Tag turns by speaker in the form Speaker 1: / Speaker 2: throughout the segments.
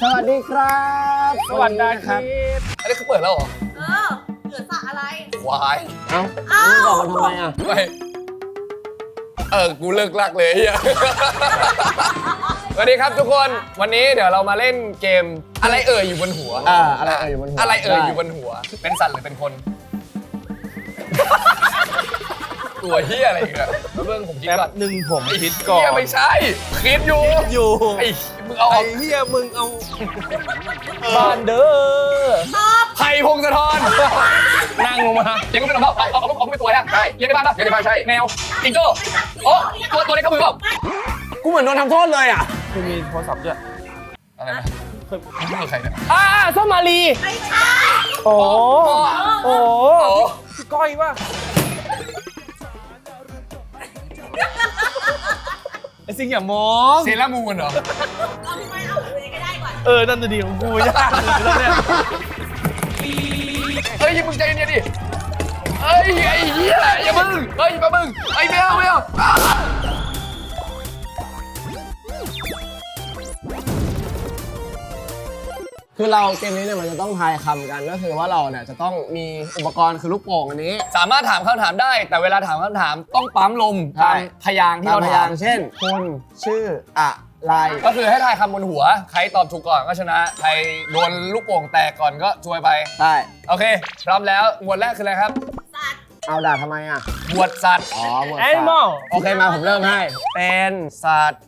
Speaker 1: สวัสดีครับ
Speaker 2: สวัสดีครับอันนี้คือเปิดแล้วเหรอ
Speaker 3: เหลือสระอะไร
Speaker 2: ควาย
Speaker 1: เอ้ามึงบอกมันทำไมอ่ะ
Speaker 2: ไม่กูเลิกลักเลยไอ้เหี้ยสวัสดีครับทุกคนวันนี้เดี๋ยวเรามาเล่นเกมอะไรอยู่บนหัว
Speaker 1: อะไรอยู่บนหัว
Speaker 2: อะไรอยู่บนหัวเป็นสัตว์หรือเป็นคนตัวเฮียอะไรอีกอะเบื้องผมคิดก่อน
Speaker 4: หนึ่งผมคิดก่อน
Speaker 2: เฮียไม่ใช่คิดอยู่ไอ้มึงเอา
Speaker 4: เฮียมึงเอาบ้านเด้อ
Speaker 2: ไผ่พงศธร
Speaker 4: นั่งลงมา
Speaker 2: เลี้ยงก็เป็นอะไรเอาเป็นตัวนะใช่เลี้ยงในบ้านป่ะเลี้ยงในบ้านใช่แมวจิงโจ้โอ้ตัวเล็กเข้ามือเปล่า
Speaker 1: กูเหมือนโดนทำโทษเลยอ่ะ
Speaker 4: กูมีโทรศัพท์ด้วย
Speaker 2: อะไรนะไม่ใครเนี่ย
Speaker 4: ส้มมาลี
Speaker 3: ไม่ใช่
Speaker 4: โอ้พี่ก้อยป่ะไอ้สิ่งอย่ามอง
Speaker 2: เซรามูนเหรอ
Speaker 3: เอาไม่เอาเลยก็ได้ก่อน
Speaker 4: นั่นจะดีของกูยากเลยเนี่ย
Speaker 2: เฮ้ยมึงใจเย็นดิไอ้เหี้ยอย่ามึงเฮ้ยมามึงไอ้แมว
Speaker 1: คือเราเกมนี้เนี่ยมันจะต้องทายคำกันก็คือว่าเราเนี่ยจะต้องมีอุปกรณ์คือลูกโป่งอันนี้
Speaker 2: สามารถถามคำถามได้แต่เวลาถามคำถามต้องปั๊มลมตามพยางค์ที่เราถาม
Speaker 1: เช่นคุณชื่ออะไร
Speaker 2: ก็คือให้ทายคำบนหัวใครตอบถูกก่อนก็ชนะใครโดนลูกโป่งแตกก่อนก็ช่วยไป
Speaker 1: ใช่
Speaker 2: โอเคพร้อมแล้วหมวดแรกคืออะไรครับ
Speaker 3: สัตว์
Speaker 1: เอาด่าทำไมอ่ะ
Speaker 2: หมวดสัตว์
Speaker 1: หมวดสัตว์โอเคมาผมเริ่มให้เป็นสัตว์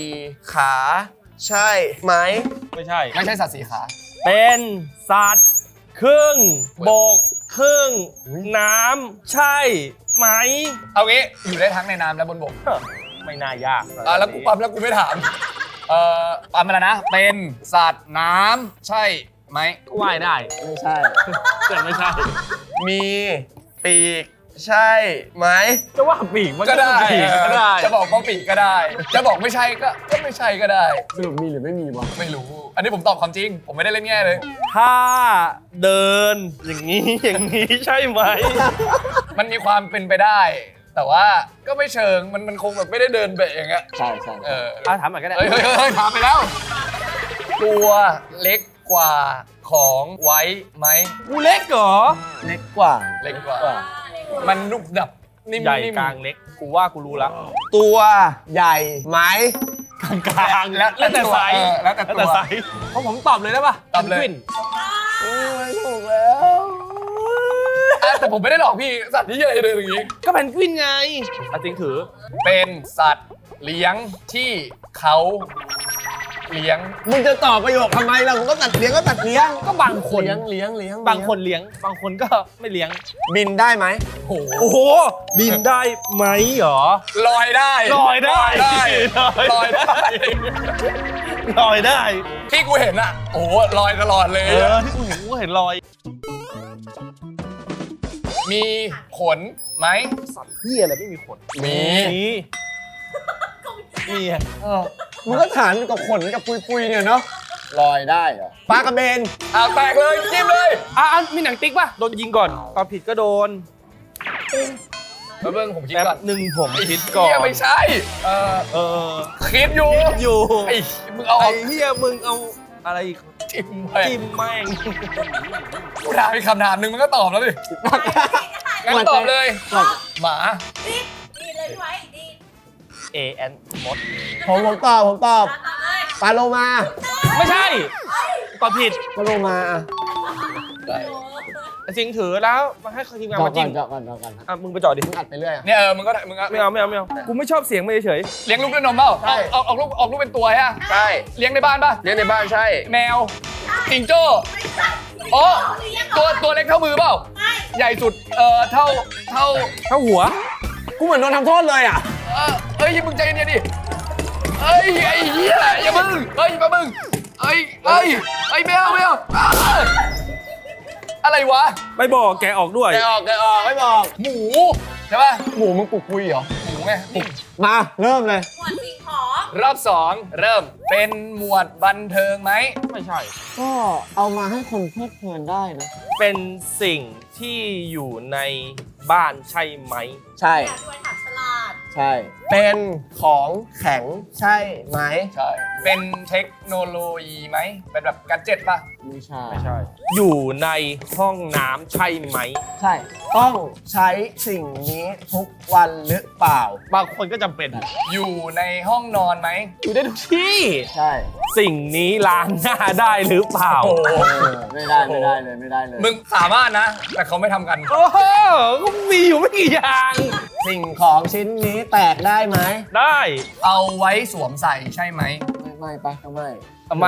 Speaker 1: 4 ขาใช่ไหม
Speaker 4: ไม่ใช่
Speaker 2: สัตว์4 ขา
Speaker 4: เป็นสัตว์ครึ่งบกครึ่งน้ำใช่ไหม
Speaker 2: เอางี้อยู่ได้ทั้งในน้ำและบนบก
Speaker 4: ไม่น่ายาก
Speaker 2: แล้วกูปั๊มแล้วกูไม่ถามปั๊มอะไรนะเป็นสัตว์น้ำใช่ไหม
Speaker 4: ว่ายได้
Speaker 1: ไม่ใช่
Speaker 4: แต่ไม่ใช่
Speaker 1: มีปีกใช่ไหม
Speaker 4: จะว่าปีกมัน
Speaker 2: ก็ได้จะบอกว่าปีกก็ได้จะบอกไม่ใช่ก็ไม่ใช่ก็ได้
Speaker 1: สรุปมีหรือไม่มีวะ
Speaker 2: ไม่รู้อันนี้ผมตอบความจริงผมไม่ได้เล่นแง่เลย
Speaker 4: ถ้าเดินอย่างนี้ใช่ไหม
Speaker 2: มันมีความเป็นไปได้แต่ว่าก็ไม่เชิงมันคงแบบไม่ได้เดินเบะอย่างเงี้ย
Speaker 1: ใช่
Speaker 4: ถามหน่อยก็ได้
Speaker 2: ถามไปแล้วตัวเล็กกว่าของไว้ไหม
Speaker 4: กูเล็กเหรอ
Speaker 1: เล็กกว่า
Speaker 2: มันนุบดับนิ่ม
Speaker 4: ใหญ่กลางเล็กกูว่ากูรู้แล้ว
Speaker 1: ตัวใหญ่ไหม
Speaker 4: กลางแล้วแต่ไซส์เพราะผมตอบเลยได้ป่ะ
Speaker 2: ตอบเลย
Speaker 1: ไม่ถูกแล้ว
Speaker 2: แต่ผมไม่ได้หลอกพี่สัตว์ที่ใหญ่เลยอย่างงี้
Speaker 4: ก็เพนกวินไงจริงถือ
Speaker 2: เป็นสัตว์เลี้ยงที่เขาเลี้ยง
Speaker 1: มึงจะตอบประโยคทำไมล่ะมึงก็ตัดเลี้ยง
Speaker 4: ก็บางคน
Speaker 1: เลี้ยง
Speaker 4: บางคนเลี้ยงบางคนก็ไม่เลี้ยง
Speaker 1: บินได้ไหม
Speaker 4: โอ้โหบินได้ไหมเหรอ
Speaker 2: ลอยได้ที่กูเห็นอะโอ้ลอยตลอดเลย
Speaker 4: ที่กูเห็นลอย
Speaker 2: มีขนไหม
Speaker 4: สัตว์เหี้ยอะไรไม่มีขน
Speaker 2: มี
Speaker 1: มึงก็ถามกับขนกับปุยเนี่ยเนาะลอยได้เหรอปลากระเบน
Speaker 2: แตกเลยจิ้มเลย
Speaker 4: มีหนังติ๊กป่ะโดนยิงก่อนตอนผิดก็โดน
Speaker 2: เบิ้งผมคิดก่อน
Speaker 4: หนึ่งผมคิดก่อน
Speaker 2: ไม่ใช่คิดอยู่ไอ้มึงเอา
Speaker 4: เหี้ยมึงเอาอะไร
Speaker 2: จิ้ม
Speaker 4: แม่ง
Speaker 2: กูถามอีกคำถามหนึ่งมันก็ตอบแล้วดิงั้นตอบเลยหมา
Speaker 3: ดีเลยพี่ไว้ดี
Speaker 4: AN มด
Speaker 1: ผมตอบปลาโลมา
Speaker 4: ไม่ใช่ตอบผิด
Speaker 1: ปลาโลมา
Speaker 4: จริงถือแล้วมาให้ทีมงานมาจิ้ม
Speaker 1: ก่อน
Speaker 4: มึงไปจอดดิ
Speaker 1: มึงอัดไปเรื่อย
Speaker 2: เนี่ยมึงก็
Speaker 4: ไม่เอากูไม่ชอบเสียงไม่เฉย
Speaker 2: เลี้ยงลูกด้วยนมเปล่าออกลูกเป็นตัวฮะ
Speaker 1: ใช่
Speaker 2: เลี้ยงในบ้านป่ะ
Speaker 1: เลี้ยงในบ้านใช่
Speaker 2: แมวจิงโจ้ตัวเล็กเท่ามือเปล่าใหญ่สุดเท่า
Speaker 4: หัว
Speaker 1: กูเหมือนโดนทำโทษเลยอ่ะ
Speaker 2: มึงใจเย็นดิไอ้เหี้ยอย่ามึงมามึงแมวอะไรวะ
Speaker 4: ไม่บอกแกออกด้วย
Speaker 1: แกออกไม่บอก
Speaker 2: หมูใช่ป่ะ
Speaker 1: หมูมึงปลุกคุยเหรอ
Speaker 2: หมูไง
Speaker 1: มาเริ่มเลย
Speaker 3: หมวดสิ่งของ
Speaker 2: รอบ2เริ่มเป็นหมวดบันเทิงไหม
Speaker 4: ไม่ใช่
Speaker 1: ก็เอามาให้คนเพลิดเพลินได้นะ
Speaker 4: เป็นสิ่งที่อยู่ในบ้านใช่ไหม
Speaker 1: ใช่
Speaker 3: ด้วยถามฉลาด
Speaker 1: ใช่ เป็นของแข็งใช่ไหม
Speaker 2: ใช่เป็นเทคโนโลยีไหมเป็นแบบกัดเจ็ตป่ะ
Speaker 1: ไม่ใช่
Speaker 4: ไม่ใช่ อยู่ในห้องน้ำใช่ไหม
Speaker 1: ใช่ ต้องใช้สิ่งนี้ทุกวันหรือเปล่า
Speaker 4: บางคนก็จำเป็น
Speaker 2: อยู่ในห้องนอนไหม
Speaker 4: อยู่ได้ทุกที่
Speaker 1: ใช่
Speaker 4: สิ่งนี้ล้างหน้าได้หรือเปล่า
Speaker 2: โอ้โห
Speaker 1: ไม่ได้เลยไม่ได้เลย
Speaker 2: มึงสามารถนะ แต่เขาไม่ทำกัน
Speaker 4: โอ้โหก็มีอยู่ไม่กี่อย่าง
Speaker 1: สิ่งของชิ้นนี้แตกได้ไหม
Speaker 4: ได้
Speaker 2: เอาไว้สวมใส่ใช่ไหม
Speaker 1: ไม่ปะก็ไม่
Speaker 4: ไม่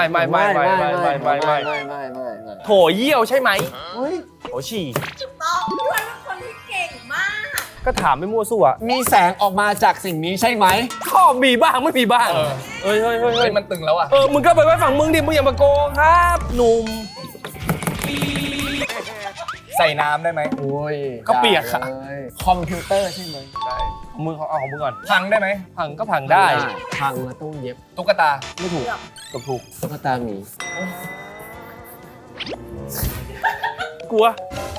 Speaker 4: โถเยี่ยวใช่ไหม
Speaker 1: อุ๊ย
Speaker 4: โถฉี่
Speaker 3: ถูกต้องพี่ไว้เป็นคนที่เก่งมาก
Speaker 4: ก็ถามไม่มั่วซั่ว
Speaker 1: มีแสงออกมาจากสิ่งนี้ใช่ไหม
Speaker 4: ข้อมีบ้างไม่มีบ้าง
Speaker 2: เออ
Speaker 4: เฮ้ย
Speaker 2: เฮ้ยมันตึงแล้วอ่ะ
Speaker 4: มึงก็ไปไว้ฝั่งมึงดิ มึงอย่ามาโกงครับ หนุ่ม
Speaker 2: ใส่น้ำได้ไหม
Speaker 1: โอ้ย
Speaker 4: ก็เปียกอะ
Speaker 1: เลยคอมพิวเตอร์ใช่ไหม
Speaker 2: ได้
Speaker 4: มึงเอาของมึงก่อน
Speaker 2: พังได้ไหม
Speaker 4: พังก็พังได้
Speaker 1: พังมาตู้เย็บ
Speaker 2: ตุ๊กตา
Speaker 1: ไม่ถูก
Speaker 4: กับถูก
Speaker 1: ตุ๊กตาหมี
Speaker 4: กลัว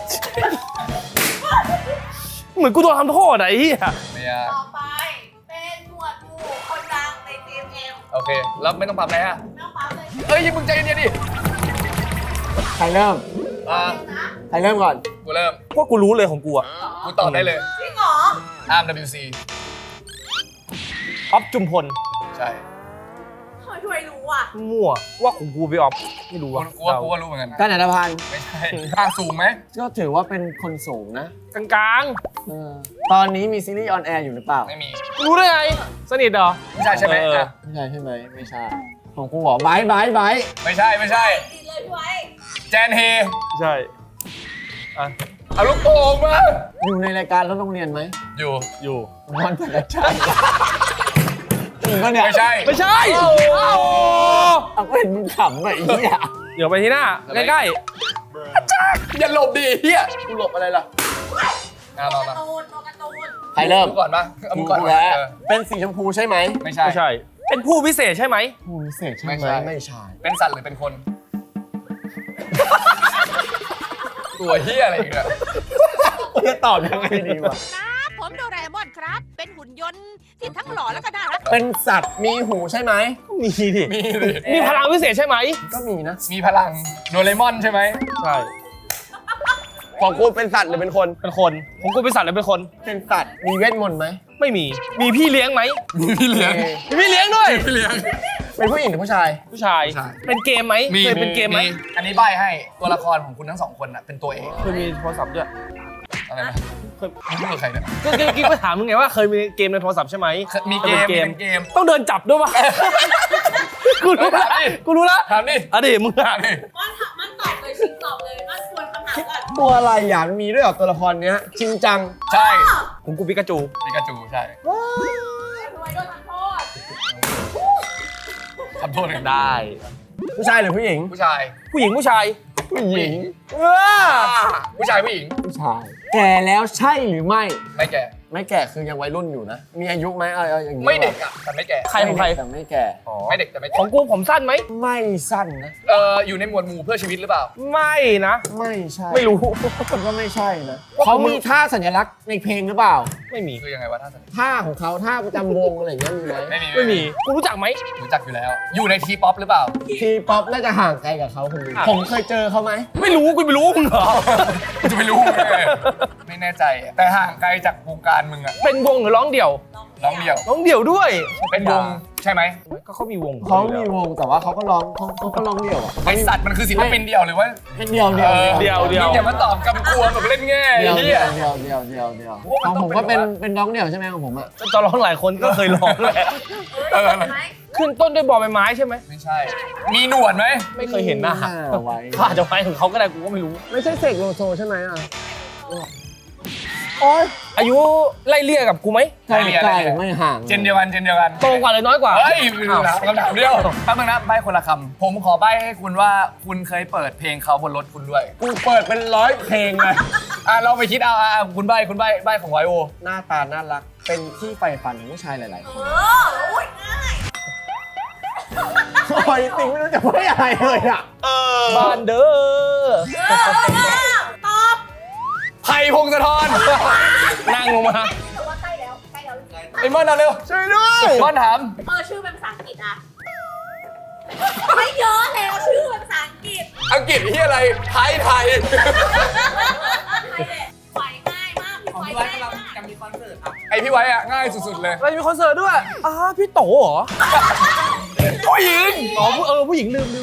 Speaker 4: เหมือนกูโดนทำโทษอะไอ้เหี้ย
Speaker 2: ไม่ยาก
Speaker 3: ต่อไปเป็นหมวดหมู่คนดังใน GMM
Speaker 2: โอเค แล้วไม่ต้องปรับอะไรอ่ะ
Speaker 3: ไม่ต้องปั๊มเลย
Speaker 2: เอ้ยมึงใจเย็นๆดิ
Speaker 1: ใครเริ่ม
Speaker 2: อ่า
Speaker 3: นะ
Speaker 1: ใครเริ่มก่อน
Speaker 2: กูเริ่ม
Speaker 4: ว่ากูรู้เลยของกูอะ
Speaker 2: กูตอบได้เลย
Speaker 3: จริงเหรอ
Speaker 2: อาร์ม WC
Speaker 4: ออฟจุมพล
Speaker 2: ใช่
Speaker 3: ทำไมพี่ไว้รู้อ่ะ
Speaker 4: มั่วว่าของกูไปออฟไม่รู้
Speaker 2: กู
Speaker 4: อะ
Speaker 2: ว่ารู้เหมือนกันนะ
Speaker 1: การอัตภัณฑ์
Speaker 2: ไม่ใช่ค่าสูงไหม
Speaker 1: ก็ถือว่าเป็นคนสูงนะ
Speaker 4: กลาง
Speaker 1: ตอนนี้มีซีรีส์ออนแอร์อยู่หรือเปล่า
Speaker 2: ไม่มี
Speaker 4: ๆรู้ได้ไง สนิทเหรอ
Speaker 2: ไม่ใช่ใช่ไหม
Speaker 4: เออ
Speaker 2: อ่ะ
Speaker 1: ไม่ใช่ใช่ไหมไม่ใช่ ของกูบอกไบร์ท
Speaker 2: ไม่ใช่ไม่ใช่
Speaker 3: ดีเลยพี่ไว้
Speaker 2: แจนเฮ
Speaker 4: ใช่อ่ะ
Speaker 2: เอาลูกโป่งมา
Speaker 1: อยู่ในรายการรถโรงเรียนไหม
Speaker 2: อยู่
Speaker 4: อยู่
Speaker 1: นอนแต่ละชัยจริงปะเนี่ย
Speaker 2: ไม่ใช่
Speaker 4: ไม่ใช่
Speaker 1: เอาก็เห็นมึงขำแบบนี้อ่ะ
Speaker 4: เดี๋ยวไปที่หน้า ใกล้
Speaker 2: อย่าหลบดิเฮีย
Speaker 1: กูหลบอะไรล่ะ
Speaker 2: เอามา
Speaker 3: การ์ตูนตัวการ์ตูน
Speaker 1: ใครเริ่ม
Speaker 2: กูก่อนปะเอามึงก่อน
Speaker 1: แล้ว
Speaker 2: เออ
Speaker 1: เป็นสีชมพูใช่ไหม
Speaker 2: ไม่
Speaker 4: ๆ
Speaker 2: ใช่
Speaker 4: ไม่ใช่ เป็นผู้พิเศษใช่ไหม
Speaker 1: ผู้พิเศษใช่ไหม
Speaker 2: ไม่ใช่
Speaker 1: ไม่ใช่
Speaker 2: เป็นสัตว์หรือเป็นคน ตัวเฮียอะไรอีกเนี่ย
Speaker 1: จะตอบยังไงดีวะ
Speaker 5: ครับผมโดราเอมอนครับ เป็นหุ่นยนต์ที่ทั้งหล่อแล้วก็น่ารัก
Speaker 1: เป็นสัตว์มีหูใช่ไหม
Speaker 4: มีดิ
Speaker 2: มีดิ
Speaker 4: มีพลังพิเศษใช่ไหม
Speaker 1: ก็มีนะ
Speaker 2: มีพลังโดเรมอนใช่ไหม
Speaker 4: ใช่
Speaker 1: ของกูเป็นสัตว์หรือเป็นคน
Speaker 4: เป็นคนของกูเป็นสัตว์หรือเป็นคน
Speaker 1: เป็นสัตว์มีเวทมนต์ไหม
Speaker 4: ไม่มี มีพี่เลี้ยงไหม
Speaker 2: มีพี่เลี้ยง
Speaker 4: มีพี่เลี้ยงด้วย
Speaker 2: พี่เลี้ยง
Speaker 1: เป็นผู้หญิงหรือผู้ชาย
Speaker 4: ผู้ชาย
Speaker 2: ผู้ชาย
Speaker 4: เป็นเกมไหมเคยเป็นเกมไหม
Speaker 2: อันนี้ใบให้ตัวละครของคุณทั้งสองคนน่ะเป็นตัวเอง
Speaker 4: เคยมีโทรศัพท์ด้วย
Speaker 2: อะไรนะ
Speaker 4: เคย
Speaker 2: มึงพูดกับใครเนี่ย
Speaker 4: ก็กี้ก็ถามมึงไงว่าเคยมีเกมในโทรศัพท์ใช่ไหม
Speaker 2: มีเกม
Speaker 4: เป็นเกม
Speaker 2: มีเกม
Speaker 4: ต้องเดินจับด้วยปะกูรู้ละ
Speaker 2: ถามดิ
Speaker 4: กูรู้ละ
Speaker 2: ถามดิ
Speaker 4: อ่ะดิมึงอ่ะ
Speaker 2: ถามดิ
Speaker 3: มันตอบเลยชิงตอบเลยมันควรคำถามก่อน
Speaker 1: ตัวอะไรอ่ะมันมีด้วยเหรอตัวละครเนี้ยจริงจัง
Speaker 2: ใช่
Speaker 4: ของกูปิกาจู
Speaker 2: ปิกาจูใช่
Speaker 3: พี่ไว้โดนทำโทษ
Speaker 2: ทำโทษเลย
Speaker 4: ได้
Speaker 1: ผู้ชายหรือผู้หญิง
Speaker 2: ผู้ชาย
Speaker 4: ผู้หญิงผู้ชาย
Speaker 1: ผู้หญิง
Speaker 2: ผู้ชายผู้หญิง
Speaker 1: ผู้ชาย แก่แล้วใช่หรือไม่
Speaker 2: ไม่แก่
Speaker 1: ไม่แก่คือยังวัยรุ่นอยู่นะ มีอายุไหมเอาอย่างนี้
Speaker 2: ไม่เด็กอ่ะแต่ไม่แก่
Speaker 4: ใครของใคร
Speaker 1: แต่ไม่แก่
Speaker 2: ไม่เด็กแต่ไม่
Speaker 4: ข
Speaker 2: แก่
Speaker 4: องกูผมสั้นไหม
Speaker 1: ไม่สั้นนะ
Speaker 2: อยู่ในหมวดหมู่เพื่อชีวิตหรือเปล่า
Speaker 4: ไม่นะ
Speaker 1: ไม่ใช่
Speaker 4: ไม่รู้
Speaker 1: ก็ไม่ใช่นะเขามีท่าสัญลักษณ์ในเพลงหรือเปล่า
Speaker 4: ไม่มี
Speaker 2: คือยังไงวะท่าสนิท
Speaker 1: ท่าของเขาท่าประจำวงอะไรอย่างเงี้ยมีไหม
Speaker 4: ไม่มี กูรู้จักไหม
Speaker 2: รู้จักอยู่แล้ว อยู่ในทีป๊อปหรือเปล่า
Speaker 1: ทีป๊อปน่าจะห่างไกลกับเขาคนหนึง
Speaker 4: อ่ะ
Speaker 1: ผมเคยเจอเขาไหม
Speaker 4: ไม่รู้กูไม่รู้มึงเหรอ
Speaker 2: จะไม่รู้เลยไม่แน่ใจอะแต่ห่างไกลจากวงการมึงอะ
Speaker 4: เป็นวงหรือร้องเดี่ยว
Speaker 2: ร้องเดี่ยว
Speaker 4: ร้องเดี่ยวด้วย
Speaker 2: เป็นวงใช่ไหม
Speaker 4: ก็เขามีวง
Speaker 1: เขามีวงแต่ว่าเขาก็ร้องเขาก็ร้องเดี่ยวอ่ะ
Speaker 2: ไอสัตว์มันคือศิลปินเดี่ยวหรือว่า
Speaker 1: เป็นเดี่ยวเดี่ยว
Speaker 4: เดี่ยว
Speaker 2: มึงอย่ามาตอบกำกวมแบบเล่นง่าย
Speaker 1: เดี่ยว
Speaker 2: เฮี
Speaker 1: เดี่
Speaker 2: ย
Speaker 1: ยวเดี่ยวเดี่ยวเดี่ยวเดี่ยวของผมก็เป็นร้องเดี่ยวใช่ไหมของผมอ่ะ
Speaker 4: ตอนร้องหลายคนก็เคยร้องแหละ
Speaker 2: เออ
Speaker 3: ไหม
Speaker 4: ขึ้นต้นด้วยบอใบไม้ใช่ไหม
Speaker 2: ไม่ใช่ มีหนวดไหม
Speaker 4: ไม่เคยเห็นหน้า
Speaker 1: ไว้
Speaker 4: เขาอาจจะไว้ของเขาก็ได้กูก็ไม่รู้
Speaker 1: ไม่ใช่เสกโลโซใช่ไหมอ่ะโอ๊ย
Speaker 4: อายุไล่เลี่ยกับกูไหม
Speaker 1: ใกล้ใกล้ไม่ห่าง
Speaker 2: เจนเดียวกันเจนเดียวกัน
Speaker 4: โตกว่าหรือน้อยกว่า
Speaker 2: เฮ้ยคำถามเดียวแป๊บนึงนะใบ้คนละคำผมขอใบ้ให้คุณว่าคุณเคยเปิดเพลงเขาบนรถคุณด้วย
Speaker 1: กูเปิดเป็น100 เพลงเลย
Speaker 2: เราไปคิดเอาคุณใบ้ของไวโอ
Speaker 1: หน้าตาน่ารักเป็นที่ใฝ่ฝันของผู้ชายหลายๆคน
Speaker 3: โอ้ยง่าย
Speaker 1: โอ้ยติงไม่รู้จะไม่อะไรเลยอ่ะ
Speaker 4: บ้านเด้อ
Speaker 3: ตอบ
Speaker 2: ไผ่พงศธร
Speaker 4: นั่งลงมา
Speaker 3: แต่ว่าใกล้แล้วจริงๆไผ่
Speaker 2: ไอ้มอนเอาเร็ว
Speaker 1: ช่วยด้วย
Speaker 2: มอนถาม
Speaker 3: ชื่อเป็นภาษาอังกฤษอะไม่เยอะแล้วชื่อเป็นภาษาอังกฤษ
Speaker 2: อังกฤษที่อะไรไทย
Speaker 3: ไฟง่ายมากพี่ไฟง่ายมาก
Speaker 2: ไอพี่ไว้อะง่ายสุดๆเลย
Speaker 4: เราจะมีคอนเสิร์ตด้วยพี่โตเหรอ
Speaker 2: ผู้หญิง
Speaker 4: ผู้หญิงลืม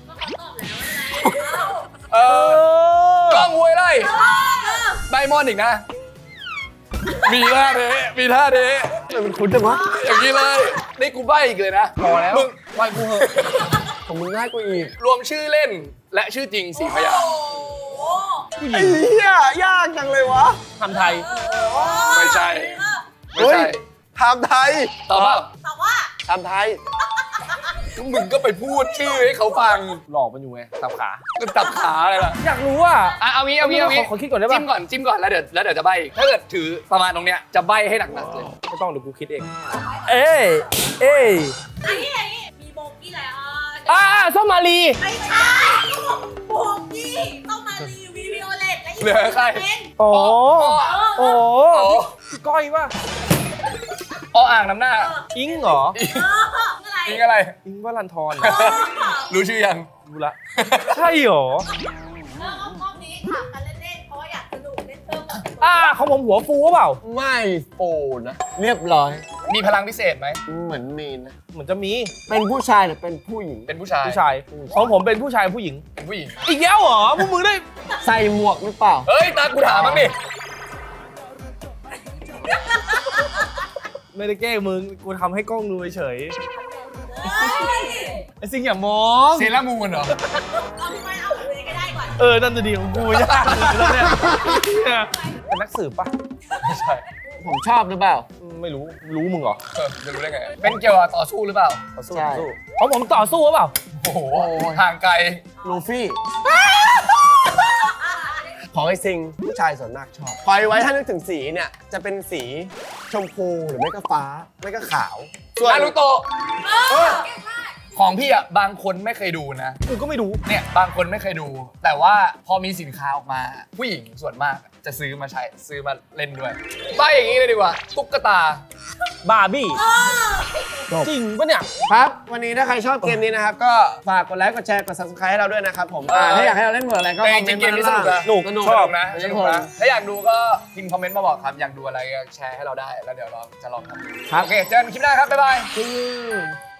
Speaker 2: เออกล้องห้วยไร่ใบมอนอีกนะ มีท่าเทมีท่าเท
Speaker 1: มันคุ้นจังวะ
Speaker 2: อย่างนี้เลยนี่กูใบอีกเลยนะพอแล้วมึงใบกูเหอะ
Speaker 1: ของมึงง่ายกว่าอีก
Speaker 2: รวมชื่อเล่นและชื่อจริง4 พยางค์
Speaker 4: ผู้ห
Speaker 1: ไอ้
Speaker 4: ญิง
Speaker 1: เหี้ยยากจังเลยวะ
Speaker 4: ทำไทย
Speaker 2: ไม่ใช่ไม่
Speaker 1: เฮ้ย
Speaker 2: ใช่
Speaker 1: ทำไทย
Speaker 2: ตอบเปล่า
Speaker 3: แต่ว่า
Speaker 1: ทำไทย
Speaker 2: มึงก็ไปพูดชื่อให้เขาฟัง
Speaker 4: หลอกมันอยู่ไงสับขา
Speaker 2: ก็ตับขาอะไรล่ะ
Speaker 4: อยากรู้ว่า
Speaker 2: เอางี้
Speaker 4: ขอคิดก่อนได้ปะ
Speaker 2: จิ้มก่อนแล้วเดี๋ยวจะใบถ้าเกิดถือประมาณตรงเนี้ยจะใบให้หนักๆเลย
Speaker 4: ไม่ต้องเดี๋ยวกูคิดเอง เอ้ย
Speaker 3: อันนี้มีโบกี้แล้ว
Speaker 4: ส้มมาลี
Speaker 3: ไม่ใช่โบกี้ต้องมารีวิโอเลตและอีก
Speaker 2: เหลือใคร
Speaker 3: เป็น
Speaker 4: อ๋อ
Speaker 2: โอ้
Speaker 4: พี่ก้อยป่ะ
Speaker 2: อ่างน้ำหน้า
Speaker 4: อิงเหรอ
Speaker 3: อะไร
Speaker 2: อิงอะไร
Speaker 4: อิงวรันทร
Speaker 2: รู้ชื่อยัง
Speaker 4: รู้ละ ใช่เหรอ
Speaker 3: รอบนี้ถามกันเล่นๆเพราะว่าอยากสนุกเล่นเพิ่มกับ
Speaker 4: ของผมหัวฟูเปล่า
Speaker 1: ไม่โฟนะ เรียบร้อย
Speaker 2: มีพลังพิเศษไหม
Speaker 1: เหมือนมีนะ
Speaker 4: เหมือนจะมี
Speaker 1: เป็นผู้ชายหรือเป็นผู้หญิง
Speaker 2: เป็นผู้ชาย
Speaker 4: ผู้ชาย ของผมเป็นผู้ชายผู้หญิง
Speaker 2: เป็นผู้หญิง
Speaker 4: อีกแล้วเหรอพวกมึงได้
Speaker 1: ใส่หมวกหรือเปล่า
Speaker 2: เฮ้ยตากูถามบ้างดิ
Speaker 4: ไม่ได้แกล้งมึง กูทำให้กล้องดูเฉย
Speaker 3: เฮ้ย
Speaker 4: ไอ้สิ่งอย่ามอง
Speaker 2: เซรามูนเหรอ
Speaker 3: เอาพี่ไฟเอาเลยก็ได้ก่อน
Speaker 4: นั่นจะดีของกูยากเลยเนี่ยเป็นนักสืบปะ
Speaker 2: ไม่ใช่
Speaker 1: ผมชอบหรือเปล่า
Speaker 4: ไม่รู้ รู้มึงเหรอ
Speaker 2: จะรู้ได้ไง เป็นเกี่ยวกับต่อสู้หรือเปล่า
Speaker 4: ต่อสู้
Speaker 1: ใช่
Speaker 4: ต่อสู้ของผมต่อสู้หรือเปล่า
Speaker 2: โอ้โห ห่างไกล
Speaker 1: ลูฟี่ ของไอ้ซิงผู้ชายส่วนมากชอบคอยไว้ถ้านึกถึงสีเนี่ย จะเป็นสีชมพูหรือไม่ก็ฟ้า ไม่ก็ขาว ส่วน
Speaker 2: นารูโตะ
Speaker 3: เก่งมาก
Speaker 2: ของพี่อ่ะบางคนไม่เคยดูนะ
Speaker 4: กูก็ไม่รู้
Speaker 2: เนี่ยบางคนไม่เคยดู แต่ว่าพอมีสินค้าออกมา ผู้หญิงส่วนมากจะซื้อมาใช้ซื้อมาเล่นด้วยใบอย่างนี้เลยดีกว่า ตุ๊กตา
Speaker 4: บาร์บี้ จริงปะเนี่ย
Speaker 1: ครับ วันนี้ถ้าใครชอบเกมนี้นะครับ ก็ฝากกดไลค์ กดแชร์ กด subscribe ให้เราด้วยนะครับผม ถ้าอยากให้เราเล่นเวอร์อะไรก็
Speaker 2: แต่
Speaker 1: ค
Speaker 2: จ
Speaker 1: อมเม
Speaker 2: ริ
Speaker 1: น
Speaker 2: ง
Speaker 1: ต์
Speaker 2: ๆเกม
Speaker 1: มา
Speaker 2: นี้ส
Speaker 1: ด้าน
Speaker 2: นุก
Speaker 1: ล่าง
Speaker 2: นะ
Speaker 4: หนุก
Speaker 2: สนุก
Speaker 4: ชอบ
Speaker 2: นะสนุกนะถ้าอยากดูก็พิมพ์คอมเมนต์มาบอกครับ อยากดูอะไรก็แชร์ให้เราได้ แล้วเดี๋ยวเราจะลองทำดู
Speaker 1: ครับ
Speaker 2: โอเค เจอกันคลิปหน้าครับ บ๊ายบาย
Speaker 1: อืม